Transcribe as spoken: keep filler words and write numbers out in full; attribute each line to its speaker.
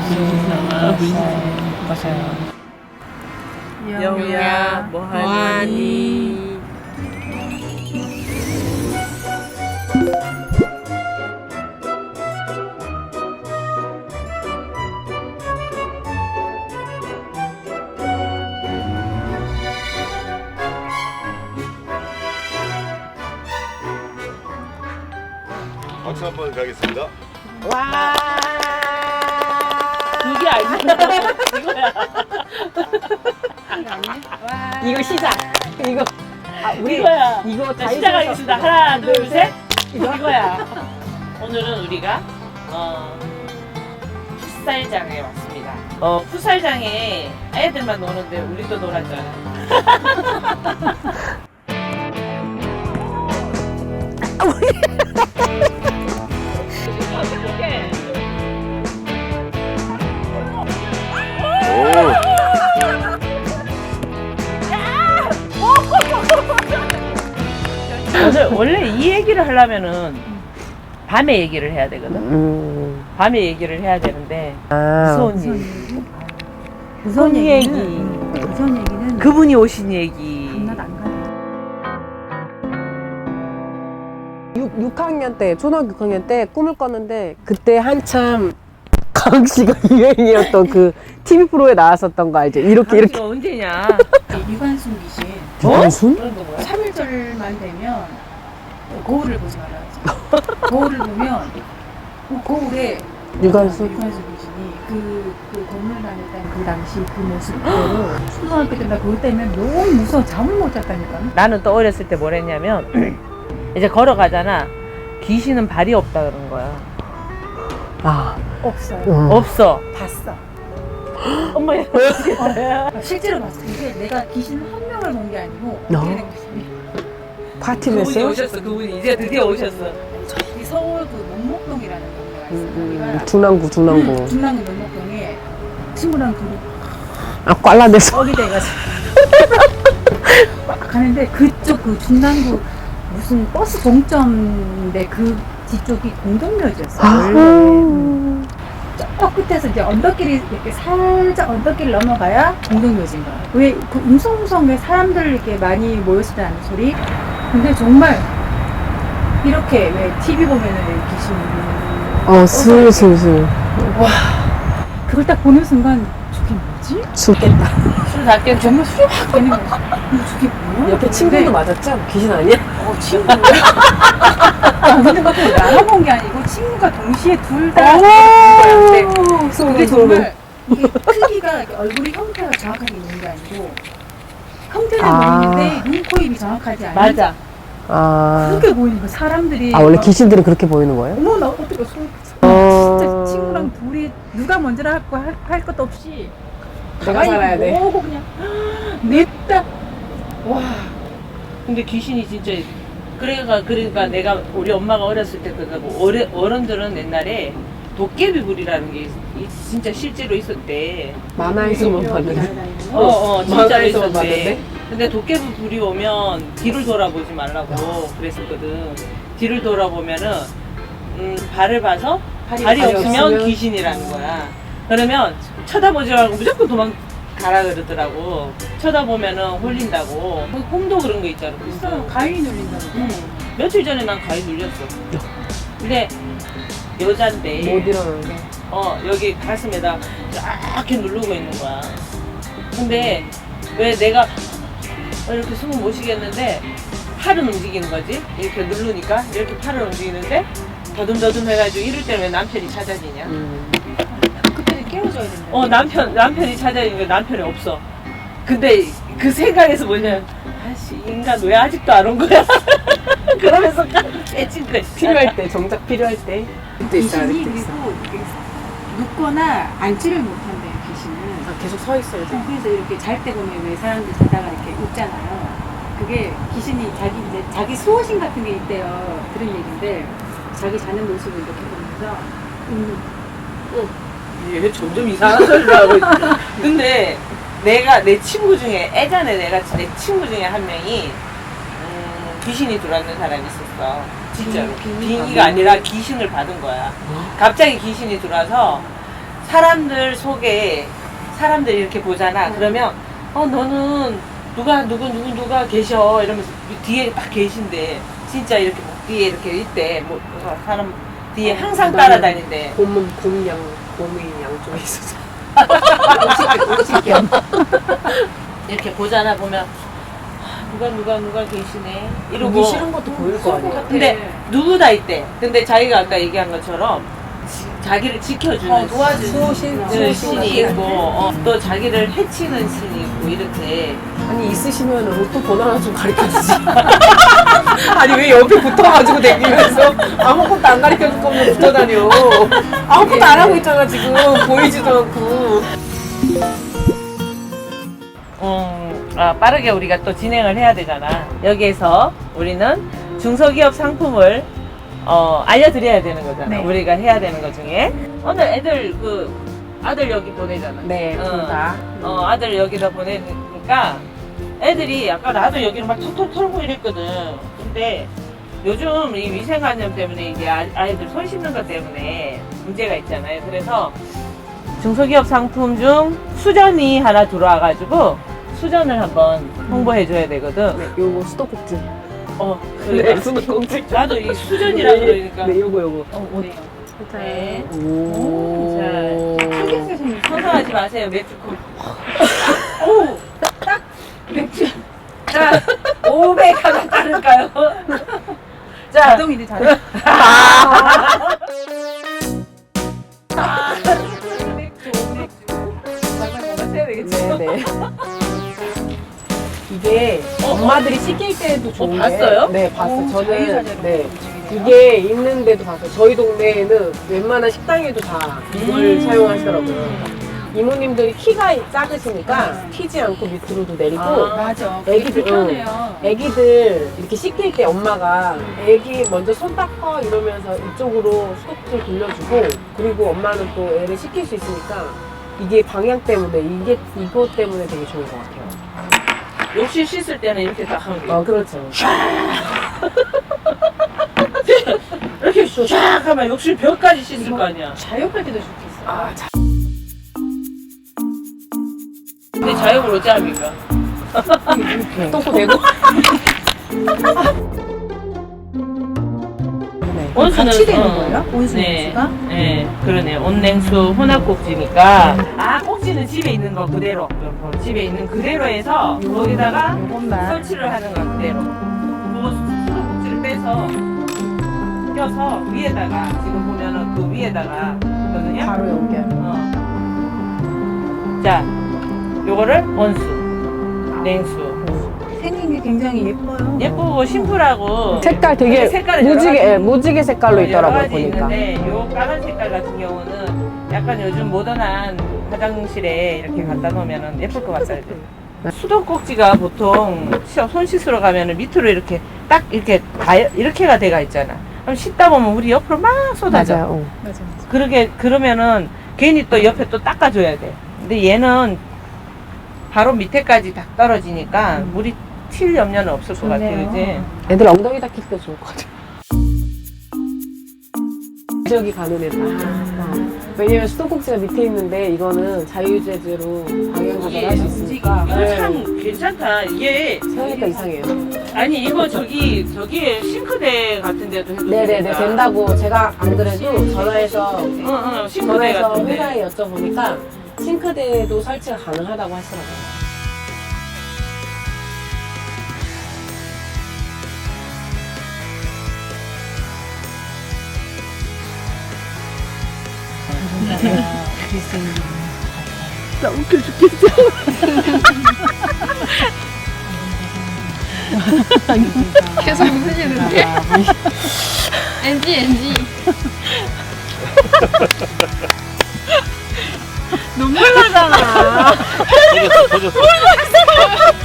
Speaker 1: 맞아요.
Speaker 2: 영우야, 뭐하니?
Speaker 3: 박수 한번 가겠습니다.
Speaker 2: 와.
Speaker 1: 이게 아니야. 이거야.
Speaker 2: 이거 시작. 이거. 아, 우리
Speaker 1: 이거야.
Speaker 2: 이거
Speaker 1: 자,
Speaker 2: 다
Speaker 1: 시작하겠습니다.
Speaker 2: 있어서.
Speaker 1: 하나, 둘, 셋. 이거야. 오늘은 우리가 어, 풋살장에 왔습니다. 어, 풋살장에 애들만 노는데 우리도 놀았잖아. 오늘 원래 이 얘기를 하려면은 밤에 얘기를 해야 되거든.
Speaker 2: 음.
Speaker 1: 밤에 얘기를 해야 되는데
Speaker 2: 아.
Speaker 1: 무서운
Speaker 4: 무서운
Speaker 1: 얘기.
Speaker 4: 얘기?
Speaker 1: 무서운 얘기.
Speaker 4: 무서운 얘기는
Speaker 1: 그분이 오신 얘기.
Speaker 4: 밤낮 안 가요.
Speaker 2: 육 학년 때, 초등학교 육 학년 때 꿈을 꿨는데 그때 한참 가은 씨가 유행이었던 그 티비 프로에 나왔었던 거 알죠? 이렇게 이렇게.
Speaker 1: 당신은 언제냐?
Speaker 4: 유관순 귀신
Speaker 2: 유관순?
Speaker 1: 그런 거 뭐야?
Speaker 4: 삼 일절만 되면 거울을 보지 말아야지. 거울을 보면 그 거울에
Speaker 2: 유관순?
Speaker 4: 유관순 귀신이 그, 그 건물 다녔던 그 당시 그 모습 그대로 초등학교 때 나 그것 때문에 너무 무서워 잠을 못 잤다니까.
Speaker 1: 나는 또 어렸을 때 뭘 했냐면 이제 걸어가잖아. 귀신은 발이 없다 그런 거야.
Speaker 2: 아.
Speaker 4: 없어요.
Speaker 2: 음.
Speaker 1: 없어.
Speaker 4: 봤어.
Speaker 1: 엄마
Speaker 4: 아, 실제로 봤어. 이게 내가 귀신 한 명을 본 게 아니고
Speaker 2: 어?
Speaker 4: 어떻게 된 귀신이
Speaker 2: 파티
Speaker 1: 그분이
Speaker 2: 메시요?
Speaker 1: 오셨어. 그분이 이제 드디어 오셨어.
Speaker 4: 저기 서울 그 논목동이라는 동네가 있어요.
Speaker 2: 음, 음,
Speaker 4: 거기가
Speaker 2: 중랑구, 중랑구.
Speaker 4: 중랑구 논목동에 친구랑 둘이
Speaker 2: 아, 꽐라돼서.
Speaker 4: 뻑이 돼가지고 막 가는데 그쪽 그 중랑구 무슨 버스 종점인데 그 뒤쪽이 공동묘지였어요.
Speaker 2: 아.
Speaker 4: 원래 음. 저 끝에서 이제 언덕길이 이렇게 살짝 언덕길 넘어가야 공동묘지인 거야. 왜 그 웅성웅성 사람들 이렇게 많이 모였을 때 하는 소리. 근데 정말 이렇게 왜 티비 보면은 귀신
Speaker 2: 어, 슬슬슬.
Speaker 4: 와 그걸 딱 보는 순간 저게 뭐지?
Speaker 2: 죽겠다.
Speaker 1: 술 다 깼죠?
Speaker 4: 정말 술이 확 깨는 거야. 근데 저게 뭐야?
Speaker 2: 옆에 친구도 맞았죠? 귀신 아니야?
Speaker 4: 어, 친구야? 아, 근데 그것도 나눠본 게 아니고 친구가 동시에 둘다 근데 그게 정말 이게 크기가 이렇게 얼굴이 형태가 정확하게 있는 게 아니고 형태는
Speaker 2: 아.
Speaker 4: 보이는데 눈, 코, 입이 정확하지 않은
Speaker 1: 맞아.
Speaker 2: 아.
Speaker 4: 그렇게 보이는 거야. 사람들이
Speaker 2: 아, 원래
Speaker 4: 막,
Speaker 2: 귀신들은 그렇게 보이는 거예요?
Speaker 4: 어머 나 어떻게 손
Speaker 2: 어.
Speaker 4: 진짜 친구랑 둘이 누가 먼저라 할거 할, 할 것도 없이
Speaker 2: 내가
Speaker 4: 가만히
Speaker 2: 살아야 돼.
Speaker 4: 보고 그냥 냅다 와
Speaker 1: 근데 귀신이 진짜 그러니까 그러니까 내가 우리 엄마가 어렸을 때 그거 어르, 어른들은 옛날에 도깨비불이라는 게 있- 있- 진짜 실제로 있었대.
Speaker 2: 만화에서만 봤는데.
Speaker 1: 어, 어, 진짜로
Speaker 2: 만화에서만
Speaker 1: 있었대.
Speaker 2: 봤는데?
Speaker 1: 근데 도깨비불이 오면 뒤를 돌아보지 말라고 그랬었거든. 뒤를 돌아보면은 음, 발을 봐서 발이,
Speaker 2: 발이
Speaker 1: 없으면,
Speaker 2: 없으면
Speaker 1: 귀신이라는 거야. 그러면 쳐다보지 말고 무조건 도망가라 그러더라고. 쳐다보면은 홀린다고. 그 꿈도 그런 거 있잖아.
Speaker 4: 있어 가위 눌린다고
Speaker 1: 응. 며칠 전에 난 가위 눌렸어. 근데 여잔데
Speaker 2: 못 일어나는데.
Speaker 1: 어 여기 가슴에다 이렇게 누르고 있는 거야. 근데 왜 내가 이렇게 숨을 못 쉬겠는데 팔은 움직이는 거지? 이렇게 누르니까 이렇게 팔을 움직이는데 더듬더듬 해가지고 이럴 때는 왜 남편이 찾아지냐?
Speaker 2: 음.
Speaker 4: 그때는 깨워줘야 된다.
Speaker 1: 어 남편 남편이 찾아지니까 남편이 없어. 근데 그 생각에서 뭐냐면 아씨 인간 왜 아직도 안 온 거야? 그러면서 깨진 거야.
Speaker 2: 필요할 때, 정작 필요할 때. 그때 있어요,
Speaker 4: 귀신이
Speaker 2: 그때 있어.
Speaker 4: 그리고 이렇게 눕거나 앉지를 못한대요 귀신은.
Speaker 2: 아, 계속 서 있어야 돼.
Speaker 4: 어, 그래서 이렇게 잘 때 보면 왜 사람들 자다가 이렇게 웃잖아요. 그게 귀신이 자기 이제 자기 수호신 같은 게 있대요. 들은 얘기인데 자기 자는 모습을 이렇게 보면서 음,
Speaker 1: 얘 점점 이상한 소리를 하고 있어. 근데 내가 내 친구 중에 예전에 내가 내 친구 중에 한 명이 음, 귀신이 들어왔는 사람이 있었어. 진짜로.
Speaker 4: 비- 비행기가
Speaker 1: 비행기가 아니라 귀신을 받은 거야. 갑자기 귀신이 들어와서 사람들 속에 사람들이 이렇게 보잖아. 그러면 어 너는 누가 누구 누구 누가 계셔 이러면서 뒤에 딱 계신데 진짜 이렇게 목 뒤에 이렇게 있대. 뭐 사람 뒤에 항상 따라다닌대.
Speaker 2: 곰은 곰양 곰이 양쪽에 있어서.
Speaker 1: 이렇게 보잖아. 보면 아, 누가 누가 누가 계시네 이러고
Speaker 2: 보기 싫은 것도 보일 거 아니야.
Speaker 1: 근데 누구 다 있대. 근데 자기가 아까 얘기한 것처럼 지- 자기를 지켜주는
Speaker 4: 어, 도와주는
Speaker 2: 수호신
Speaker 1: 그 신이 있고 어, 또 자기를 해치는 신이 있고 이렇게.
Speaker 2: 아니 있으시면 로또 번호 하나 좀 가르쳐 주지. 아니 왜 옆에 붙어가지고 다니면서 아무것도 안 가르쳐 줄 거면 붙어 다녀. 아무것도 안 하고 있잖아 지금 보이지도 않고.
Speaker 1: 음, 아, 빠르게 우리가 또 진행을 해야 되잖아. 여기에서 우리는 중소기업 상품을 어, 알려드려야 되는 거잖아.
Speaker 4: 네.
Speaker 1: 우리가 해야 되는 것 중에 오늘 애들 그 아들 여기 보내잖아.
Speaker 2: 네,
Speaker 1: 어,
Speaker 2: 둘 다.
Speaker 1: 어, 아들 여기다 보내니까 애들이 아까 나도 여기를 막 톡톡 털고 이랬거든. 근데 요즘 이 위생관념 때문에 이제 아- 아이들 손 씻는 것 때문에 문제가 있잖아요. 그래서 중소기업 상품 중 수전이 하나 들어와가지고 수전을 한번 홍보해줘야 되거든.
Speaker 2: 네, 요거 수도꼭지.
Speaker 1: 어,
Speaker 2: 네,
Speaker 1: 그러니까
Speaker 2: 수도꼭지.
Speaker 1: 나도 이 수전이라 그러니까.
Speaker 2: 네, 요거 요거.
Speaker 1: 어, 어디? 네.
Speaker 2: 오.
Speaker 4: 신경 쓰시는
Speaker 1: 선서하지 마세요, 맥주컵. 오! 딱! 맥주. 자, 오백 하나 따를까요? 자,
Speaker 4: 자동이네 자동.
Speaker 1: 맥주, 맥주. 잠깐만, 해야 되겠지?
Speaker 2: 네네. 이게 엄마들이 씻길 때도 좋은데.
Speaker 1: 봤어요?
Speaker 2: 네, 봤어요.
Speaker 4: 오,
Speaker 2: 저는
Speaker 4: 자유자재로
Speaker 2: 네.
Speaker 4: 움직이네요.
Speaker 2: 이게 있는데도 봤어요. 저희 동네에는 웬만한 식당에도 다 이걸
Speaker 1: 음.
Speaker 2: 사용하시더라고요. 이모님들이 키가 작으시니까 튀지 않고 밑으로도 내리고
Speaker 1: 아.
Speaker 4: 맞아. 그게
Speaker 2: 애기들,
Speaker 4: 불편해요.
Speaker 2: 애기들 이렇게 씻길 때 엄마가 애기 먼저 손 닦아 이러면서 이쪽으로 수도꼭지를 돌려주고 그리고 엄마는 또 애를 씻길 수 있으니까 이게 방향 때문에 이게 이것 때문에 되게 좋은 것 같아요.
Speaker 1: 욕실 씻을 때는 이렇게 딱 하면 돼.
Speaker 2: 아 그렇죠.
Speaker 1: 이렇게 쫙 하면 욕실 벽까지 씻을 거 아니야.
Speaker 4: 자욕할 때도 좋겠어.
Speaker 2: 아 자.
Speaker 1: 근데 자욕을 어찌 합니까?
Speaker 2: 이렇게 똥꼬 대고. 네.
Speaker 1: 온수는
Speaker 4: 같이 되는
Speaker 1: 어,
Speaker 4: 거예요? 온수
Speaker 1: 네,
Speaker 4: 냉수가?
Speaker 1: 네, 그러네. 온냉수 혼합꼭지니까. 아, 꼭지는 집에 있는 거 그대로. 집에 있는 그대로 해서 거기다가
Speaker 4: 요것만.
Speaker 1: 설치를 하는 거 그대로. 그거 수도꼭지를 빼서 껴서 위에다가 지금 보면은 그 위에다가 있거든요.
Speaker 2: 바로 연결.
Speaker 1: 어. 자, 요거를 온수, 냉수.
Speaker 4: 생긴 게 굉장히 예뻐요.
Speaker 1: 예쁘고 심플하고
Speaker 2: 색깔 되게
Speaker 1: 근데 색깔이 여러
Speaker 2: 무지개
Speaker 1: 가지
Speaker 2: 예, 무지개 색깔로
Speaker 1: 어, 여러
Speaker 2: 있더라고요
Speaker 1: 가지
Speaker 2: 보니까.
Speaker 1: 있는데 요 까만 색깔 같은 경우는 약간 요즘 모던한 화장실에 이렇게 갖다 놓으면 예쁠 것 같아요. 수도꼭지가 보통 시- 손 씻으러 가면 밑으로 이렇게 딱 이렇게 다 이렇게가 돼가 있잖아. 그럼 씻다 보면 우리 옆으로 막 쏟아져.
Speaker 2: 맞아요. 어.
Speaker 4: 맞아, 맞아.
Speaker 1: 그러게 그러면은 괜히 또 옆에 또 닦아줘야 돼. 근데 얘는 바로 밑에까지 다 떨어지니까 물이 튈 염려는 없을 것 같아,
Speaker 4: 좋네요.
Speaker 1: 그지?
Speaker 2: 애들 엉덩이 닦일 때 좋을 것 같아요. 지역이 가는 애들. 어. 왜냐면 수도꼭지가 밑에 있는데 이거는 자유재재로 방향 조절할 수 있으니까.
Speaker 1: 이거
Speaker 2: 네.
Speaker 1: 참 괜찮다. 이게
Speaker 2: 생각하니까 이상해요.
Speaker 1: 아니 이거 저기 저기 싱크대 같은 데도 해도
Speaker 2: 네네네
Speaker 1: 되겠다.
Speaker 2: 된다고 제가 안 그래도 전화해서
Speaker 1: 응, 응, 싱크대
Speaker 2: 전화해서
Speaker 1: 같은데.
Speaker 2: 회사에 여쭤보니까 싱크대도 설치가 가능하다고 하시더라고요. 나 웃겨 죽겠어.
Speaker 5: 계속 웃으시는데? 엔지 엔지
Speaker 2: 눈물 나잖아.
Speaker 3: 터졌어, 터졌어.